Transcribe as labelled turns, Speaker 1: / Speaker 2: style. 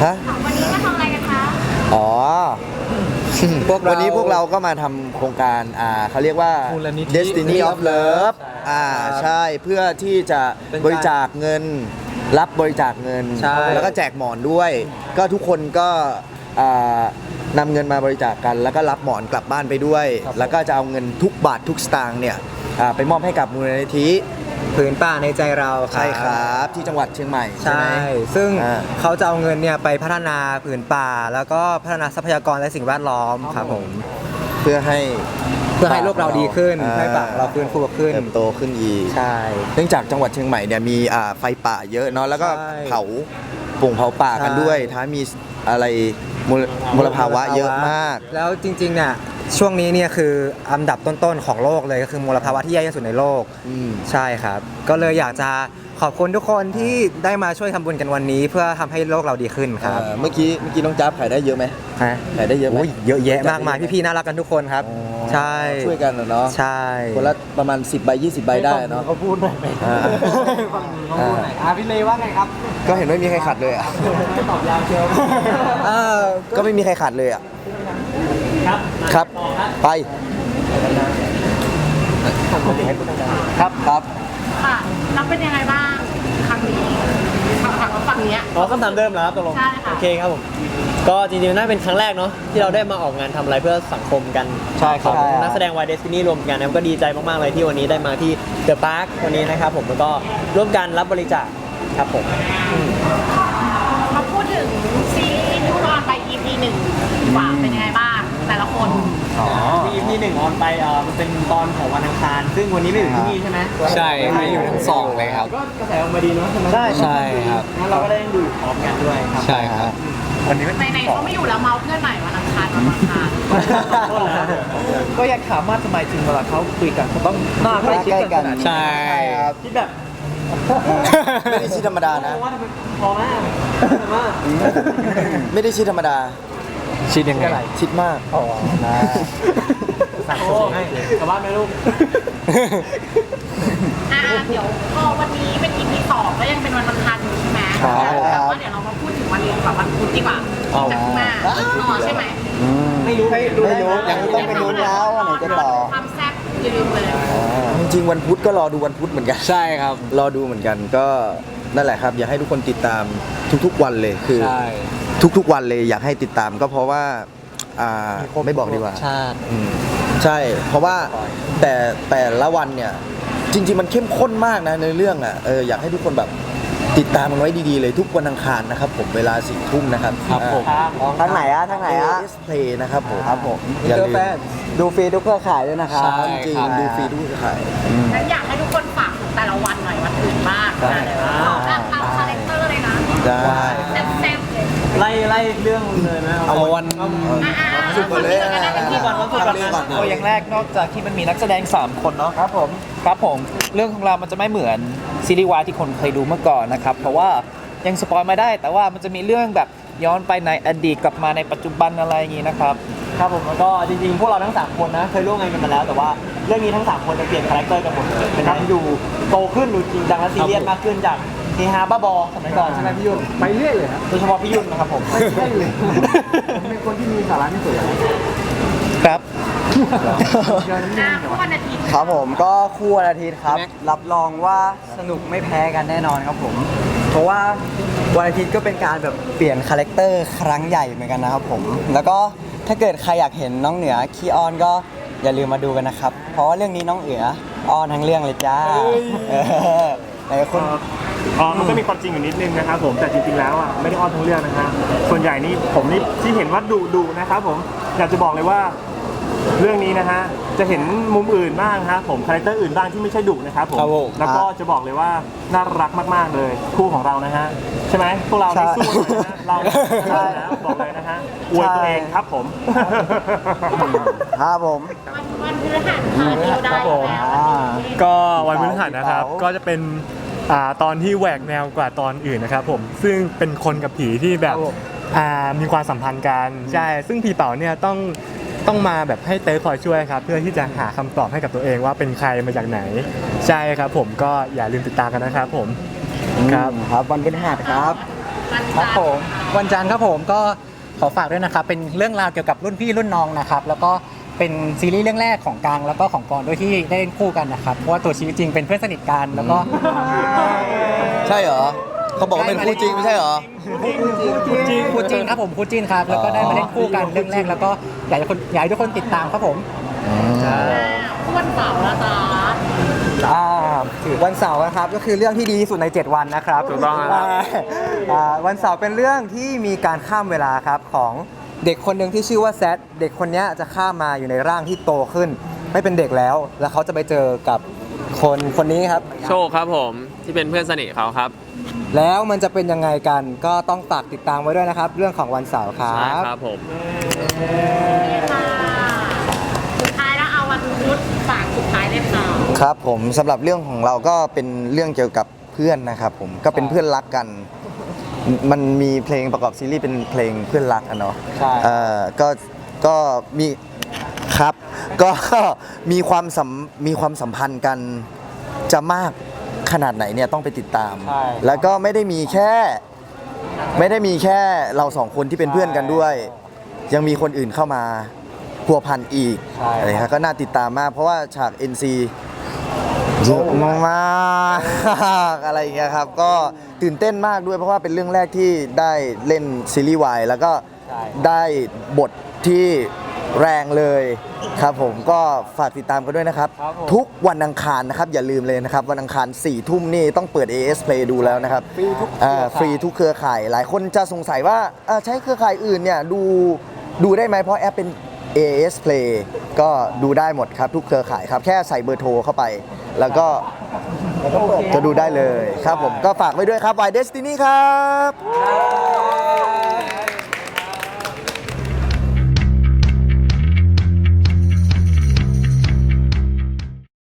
Speaker 1: ฮะ
Speaker 2: วันนี้มาทำอะไรกันคะ
Speaker 1: อ๋อวันนี้พวกเราก็มาทำโครงการเขาเรียกว่า Destiny of Love ใช่เพื่อที่จะบริจาคเงินรับบริจาคเงินแล้วก็แจกหมอนด้วย ก็ทุกคนก็นำเงินมาบริจาคกันแล้วก็รับหมอนกลับบ้านไปด้วย แล้วก็จะเอาเงินทุกบาททุกสตางค์เนี่ยไปมอบให้กับมูลนิธิ
Speaker 3: ผืนป่าในใจเรา
Speaker 1: ใช่ครับที่จังหวัดเชียงใหม่ใช่ไหม
Speaker 3: ซึ่งเขาจะเอาเงินเนี่ยไปพัฒนาผืนป่าแล้วก็พัฒนาทรัพยากรและสิ่งแวดล้อมครับผม
Speaker 1: เพื่อให้
Speaker 3: โลกเราดีขึ้นให้ป่าเราฟื้นฟูขึ้น
Speaker 1: เติบโตขึ้นอีก
Speaker 3: ใช่
Speaker 1: เนื่องจากจังหวัดเชียงใหม่เนี่ยมีไฟป่าเยอะเนาะแล้วก็เผาป่งเผาป่ากันด้วยท้ามีอะไรมลภาวะเยอะมาก
Speaker 3: แล้วจริงๆเนี่ยช่วงนี้เนี่ยคืออันดับต้นๆของโลกเลยก็คือมลภาวะที่แย่ที่สุดในโลกใช่ครับก็เลยอยากจะขอบคุณทุกคนที่ได้มาช่วยทำบุญกันวันนี้เพื่อทำให้โลกเราดีขึ้นครับ
Speaker 1: เมื่อกี้น้องจ๊าบขายได้เยอะไหมขายได้เยอะไหม
Speaker 3: เยอะแยะมากมายพี่ๆน่ารักกันทุกคนครับใช่
Speaker 1: ช่วยกันเนาะ
Speaker 3: ใช่
Speaker 1: คนละประมาณ10 ใบ 20 ใบได้เนาะ
Speaker 3: เขาพูดหน่อยไหมเขาพูดหน่อยพี่เลว่าไงครับ
Speaker 1: ก็เห็นไม่มีใครขัดเลยอ่ะ
Speaker 3: ตอบยาวเชียว
Speaker 1: ก็ไม่มีใครขัดเลยอ่ะครับไปครับ
Speaker 2: ค่ะแล้วเป็นยังไงบ้างครั้งนี้ถามว่าฝั่งนี้
Speaker 4: คำถามเดิมแล้วตกลง
Speaker 2: ใช่ค่ะ
Speaker 4: โอเคครับผมก็จริงๆน่าเป็นครั้งแรกเนาะที่เราได้มาออกงานทำอะไรเพื่อสังคมกัน
Speaker 3: ใช่ครับ
Speaker 4: นักแสดงวายเดสตินีรวมกันนะก็ดีใจมากๆเลยที่วันนี้ได้มาที่เดอะพาร์ควันนี้นะครับผมแล้วก็ร่วมกันรับบริจาคครับผม
Speaker 2: มาพูดถึงซีรีส์ที่ออนไป EP 1ว่าเป็นยังไงบ้างแต่ละคน
Speaker 4: ที่ EP 1ออนไปมันเป็นตอนของวันอังคารซึ่งวันนี้ไม่อยู่ที่นี่ใช่ไหม
Speaker 3: ใช่ไม่อยู่ทั้งสองเลยครับ
Speaker 4: ก็กระแสออกมาดีเนาะใช่ไหม
Speaker 3: ใช่ครับ
Speaker 4: งั้นเราก็ได้ดูพร้อมกันด้วยครับ
Speaker 3: ใช่ครับ
Speaker 2: วันนี้ในเขาไม่อยู่แล้วเมาเพื่อนใหม่วันอังคาร
Speaker 4: ก็อยากถามว่าทำไมจริงเวลาเขาคุยกันเขาต้องหน้าใกล้ชิดกัน
Speaker 3: ใช่
Speaker 4: ครับที่แบบ
Speaker 1: ไม่ได้ชิดธรรมดานะ
Speaker 4: พอมาก
Speaker 1: ไม่ได้ชิดธรรมดา
Speaker 3: ชิดยังไง
Speaker 1: ชิดมาก
Speaker 4: สั่งให้กลับบ้านไหมลูก
Speaker 2: เดี๋ยวพอวันนี้เป็น EP 2ก็ยังเป็นวันอังคารอยู่ใช่ไหมแต่ว่าเดี๋ยวเรามาพูดถึงวันพุธดีกว่าจากข้างหน้าใช่ไหม
Speaker 4: ไม่รู้
Speaker 1: ยังต้องไปลุ้นแล้วว่าไหนจะต่อ
Speaker 2: ความแซ่บอย่าลืมเลย
Speaker 1: จริงๆวันพุธก็รอดูวันพุธเหมือนกัน
Speaker 3: ใช่ครับ
Speaker 1: รอดูเหมือนกันก็นั่นแหละครับอยากให้ทุกคนติดตามทุกๆวันเลยคือทุกๆวันเลยอยากให้ติดตามก็เพราะว่าไม่บอกดีกว่าใช่เพราะว่าแต่ละวันเนี่ยจริงๆมันเข้มข้นมากนะในเรื่องอยากให้ทุกคนแบบติดตามมันไว้ดีๆเลยทุกวันอังคารนะครับผมเวลา4 ทุ่มนะครับ
Speaker 3: ครับผม
Speaker 1: ทางไหนPlay นะครับผม
Speaker 3: อย่าลืมดูฟรีทุกเครือข่ายด้วยนะครับ
Speaker 1: จริงดูฟรีทุกเครือข่าย
Speaker 2: งั้นอยากให้ทุกคนฝากแต่ละวันหน่อยวันอื่นบ้างตามคาแรคเตอร์เลยนะ
Speaker 1: ได้
Speaker 2: แซ่บๆเลย
Speaker 4: ไล่เรื่องเลยไหม
Speaker 3: เอาวัน
Speaker 1: สุดเลย
Speaker 5: เอาอย่างแรกนอกจากที่มันมีนักแสดง3 คนเนาะครับผมเรื่องของเรามันจะไม่เหมือนซีรีส์วายที่คนเคยดูเมื่อก่อนนะครับเพราะว่ายังสปอยไม่ได้แต่ว่ามันจะมีเรื่องแบบย้อนไปในอดีตกลับมาในปัจจุบันอะไรอย่างนี้นะครับ
Speaker 4: ครับผมแล้วก็จริงๆพวกเราทั้ง3คนนะเคยร่วมงานกันมาแล้วแต่ว่าเรื่องนี้ทั้ง3คนจะเปลี่ยนคาแรคเตอร์กันหมดเลยเป็นการดูโตขึ้นดูจริงจังและซีเรียสมากขึ้นจากเฮฮาบ้าบอสมัยก่อนใช่ไหมพี่ยุ่น
Speaker 3: ไปเรื่อยเลยครับ
Speaker 4: โดยเฉพาะพี่ยุ่นนะครับผม
Speaker 3: ไม่ใช่เลยเป็นคนที่มีสาระที่สุด
Speaker 5: ครับ
Speaker 2: คู่วันอาทิตย์
Speaker 3: ครับผมก็คู่วันอาทิตย์ครับรับรองว่าสนุกไม่แพ้กันแน่นอนครับผมเพราะว่าวันอาทิตย์ก็เป็นการแบบเปลี่ยนคาแรคเตอร์ครั้งใหญ่เหมือนกันนะครับผมแล้วก็ถ้าเกิดใครอยากเห็นน้องเหนือขี้อ้อนก็อย่าลืมมาดูกันนะครับเพราะว่าเรื่องนี้น้องเหนืออ้อนทั้งเรื่องเลยจ้าไหนคุณ
Speaker 5: มันก็มีความจริงอยู่นิดนึงนะครับผมแต่จริงๆแล้วไม่ได้อ้อนทั้งเรื่องนะฮะส่วนใหญ่นี่ผมนี่ที่เห็นว่าดุนะครับผมอยากจะบอกเลยว่าเรื่องนี้นะฮะจะเห็นมุมอื่นบ้างครับผมคาแรคเตอร์อื่นบ้างที่ไม่ใช่ดุนะครับผมแล้วก็จะบอกเลยว่าน่ารักมากๆเลยคู่ของเรานะฮะใช่ไหมพวกเราไม่สู้เลยนะเราใช่แล้วบอกเลยนะฮะอวยตัวเองครับผม
Speaker 1: ครับผม
Speaker 2: วันพฤหัสค่ะได้
Speaker 5: ก็วันพฤหัสนะครับก็จะเป็นตอนที่แหวกแนวกว่าตอนอื่นนะครับผมซึ่งเป็นคนกับผีที่แบบมีความสัมพันธ์กันใช่ซึ่งผีเป๋าเนี่ยต้องมาแบบให้เต้คอยช่วยครับเพื่อที่จะหาคำตอบให้กับตัวเองว่าเป็นใครมาจากไหนใช่ครับผมก็อย่าลืมติดตามกันนะครับผม
Speaker 3: ครับวันพฤหัสครับ
Speaker 2: วัน
Speaker 6: ครั
Speaker 2: จั
Speaker 6: บ
Speaker 2: นท
Speaker 6: ผ
Speaker 2: ร์
Speaker 6: มวันจันทร์ครับผมก็ขอฝากด้วยนะครับ เป็นเรื่องราวเกี่ยวกับรุ่นพี่รุ่นน้องนะครับ แล้วก็เป็นซีรีส์เรื่องแรกของกลางแล้วก็ของกรด้วยที่ได้เล่นคู่กันนะครับ เพราะว่าตัวชีวิตจริงเป็นเพื่อนสนิทกันแล้วก็
Speaker 1: ใช่เหรอเขาบอกว่าเป็นคู่จริงไม่ใช่เหรอ
Speaker 6: คู่จริงครับผมคู่จริงครับแล้วก็ได้มาเล่นคู่กันเรื่องแรกแล้วก็อยากให้ทุกคนติดตามครับผม
Speaker 2: ผู้วันเสาร์ละจ้า
Speaker 3: วันเสาร์นะครับก็คือเรื่องที่ดีที่สุดใน 7 วันนะครับ
Speaker 7: ถูกต้องครับ
Speaker 3: วันเสาร์เป็นเรื่องที่มีการข้ามเวลาครับของเด็กคนหนึ่งที่ชื่อว่าแซดเด็กคนเนี้ยจะข้ามมาอยู่ในร่างที่โตขึ้น ไม่เป็นเด็กแล้ว แล้วเขาจะไปเจอกับคนนี้ครับ
Speaker 7: โชคครับผมที่เป็นเพื่อนสนิทเขาครับ
Speaker 3: แล้วมันจะเป็นยังไงกันก็ต้องฝากติดตามไว้ด้วยนะครับ เรื่องของวันเสาร์ครั
Speaker 7: ใช่
Speaker 3: บ
Speaker 7: ครับผม
Speaker 2: ค่ะสุดท้ายแล้วเอาวันพุธฝากสุดท้ายเลยค่ะ
Speaker 1: ครับผมสำหรับเรื่องของเราก็เป็นเรื่องเกี่ยวกับเพื่อนนะครับผมก็เป็นเพื่อนรักกัน มันมีเพลงประกอบซีรีส์เป็นเพลงเพื่อนรักอะเนาะ
Speaker 3: ใช่
Speaker 1: ก็มีครับก็ มีความสัมพันธ์กันจะมากขนาดไหนเนี่ยต้องไปติดตาม
Speaker 3: ใช่
Speaker 1: แล้วก็ไม่ได้มีแค่เราสองคนที่เป็นเพื่อนกันด้วย ยังมีคนอื่นเข้ามาพัวพันอีก
Speaker 3: ใช่
Speaker 1: อะไรครับก็น่าติดตามมาก เพราะว่าฉาก NC เยอะมากๆ อะไรอย่างเงี้ยครับ ก็ตื่นเต้นมากด้วยเพราะว่าเป็นเรื่องแรกที่ได้เล่นซีรีส์วายแล้วก็ได้บทที่แรงเลยครับผมก็ฝากติดตามกันด้วยนะครับ ทุกวันอังคารนะครับ อย่าลืมเลยนะครับ วันอังคาร4 ทุ่มนี่ต้องเปิด AS Play ดูแล้วนะครับฟรีทุกเครือข่าย หลายคนจะสงสัยว่าใช้เครือข่ายอื่นเนี่ยดูได้ไหมเพราะแอปเป็น AS Play ก็ดูได้หมดครับทุกเครือข่ายครับ แค่ใส่เบอร์โทรเข้าไป แล้วก็จะดูได้เลยครับผมก็ฝากไว้ด้วยครับ Y Destiny ครับ